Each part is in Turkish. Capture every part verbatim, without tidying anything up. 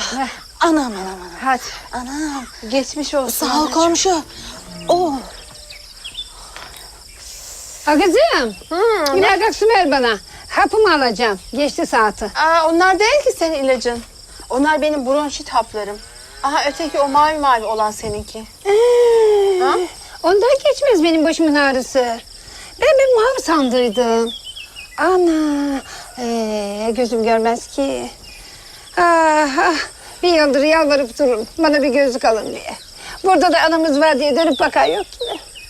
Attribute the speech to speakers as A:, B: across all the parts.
A: Anam anam anam.
B: Hadi.
A: Anam.
B: Geçmiş olsun.
A: Sağ ol komşu. Oo.
C: Ha kızım. Hmm, bir bardak su ver bana. Hapımı alacağım. Geçti saati.
B: Aa, onlar değil ki senin ilacın. Onlar benim bronşit haplarım. Aha öteki o mavi mavi olan seninki.
C: Ee,
B: Ha?
C: Ondan geçmez benim başımın ağrısı. Ben bir mavi sandıydım. Ana. Ee, gözüm görmez ki. Ah, ah. Bir yıldır yalvarıp durun. Bana bir gözlük alın diye. Burada da anamız var diye dönüp bakan yok ki.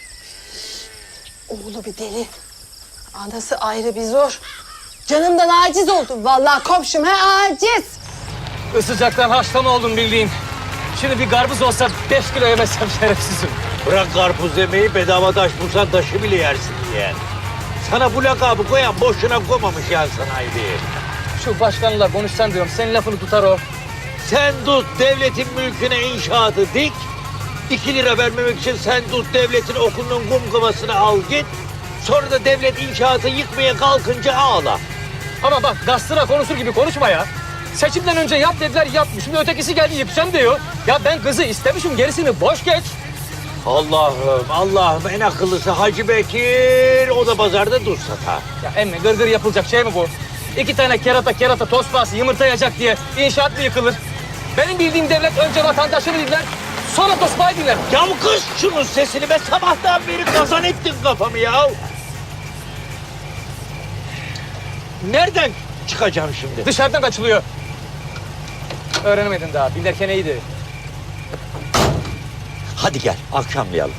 B: Oğlu bir deli. Anası ayrı bir zor. Canımdan aciz oldum. Vallahi komşum he aciz.
D: Isıcaktan haşlama oldum bildiğin. Şimdi bir karpuz olsa beş kilo yemezsem şerefsizim.
E: Bırak karpuz yemeği, bedava taş bulsan taşı bile yersin diye. Sana bu lakabı koyan boşuna koymamış ya sanayi.
D: Şu başkanla konuşsan diyorum, senin lafını tutar o.
E: Sen tut devletin mülküne inşaatı dik. İki lira vermemek için sen tut devletin okulunun kumkumasını al git. Sonra da devlet inşaatı yıkmaya kalkınca ağla.
D: Ama bak gastıra konuşur gibi konuşma ya. Seçimden önce yap dediler yapmış. Şimdi ötekisi geldi yapacağım diyor. Ya ben kızı istemişim, gerisini boş geç.
E: Allah'ım Allah'ım en akıllısı Hacı Bekir. O da pazarda tuz satar.
D: Ya emmi gırgır yapılacak şey mi bu? İki tane kerata kerata tosbağası yumurta yiyecek diye inşaat mı yıkılır? Benim bildiğim devlet önce vatandaşını dinler, sonra tosbağı dinler.
E: Ya kız şunun sesini be, sabahtan beri kazan ettin kafamı ya. Nereden çıkacağım şimdi?
D: Dışarıdan kaçılıyor. Öğrenemedin daha, bilirken iyiydi.
E: Hadi gel akşamlayalım.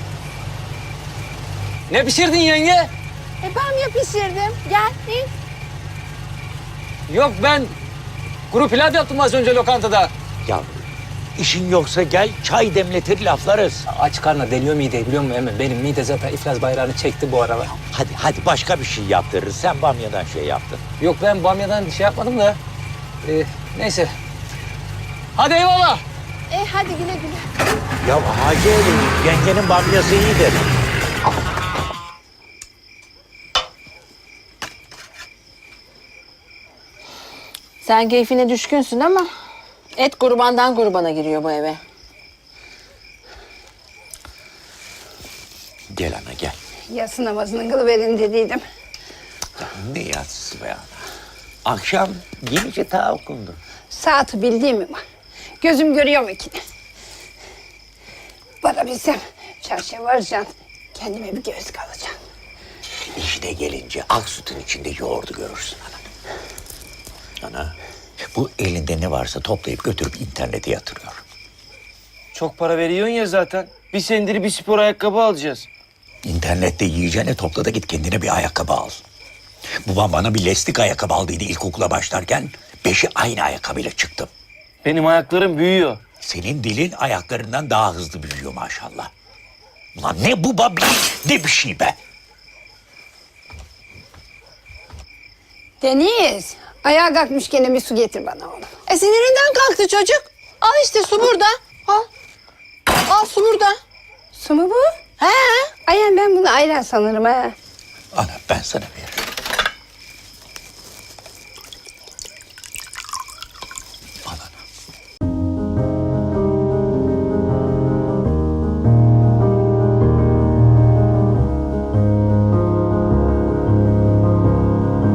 D: Ne pişirdin yenge?
B: E bamya pişirdim. Gel in.
D: Yok ben kuru pilav yaptım az önce lokantada.
E: Ya işin yoksa gel çay demletir laflarız.
D: Aç karnına deliyor mideyi biliyor musun Emre? Benim mide zaten iflas bayrağını çekti bu aralar.
E: Hadi hadi başka bir şey yaptırırız. Sen bamyadan şey yaptın.
D: Yok ben bamyadan şey yapmadım da. Ee, neyse. Hadi eyvallah.
B: E hadi güle güle.
E: Ya Hacı Ali, yengenin bamyası iyidir.
B: Sen keyfine düşkünsün ama et kurbandan kurbana giriyor bu eve.
E: Gel ana gel.
C: Yatsı namazını kılıverin dediydim.
E: Ne yatsısı be ana. Akşam yenice ta okundu.
C: Saati bildiğim mi var? Gözüm görüyor mu ki? Bana bilsem çarşıya varacaksın. Kendime bir gözlük alacağım.
E: İşine gelince ak sütün içinde yoğurdu görürsün ana. Ana, bu elinde ne varsa toplayıp götürüp internete yatırıyor.
F: Çok para veriyorsun ya zaten. Bir senedir bir spor ayakkabı alacağız.
E: İnternette yiyeceğine topla da git kendine bir ayakkabı al. Babam bana bir lastik ayakkabı aldıydı ilkokula başlarken. Beşi aynı ayakkabıyla çıktım.
F: Benim ayaklarım büyüyor.
E: Senin dilin ayaklarından daha hızlı büyüyor maşallah. Ulan ne bu babi, ne bir şey be.
C: Deniz, ayağa kalkmış gene bir su getir bana oğlum.
B: E sinirinden kalktı çocuk. Al işte su burada. Al. Al su burada.
C: Su mu bu?
B: He.
C: Ayağım ben bunu ayran sanırım ha.
E: Ana ben sana bir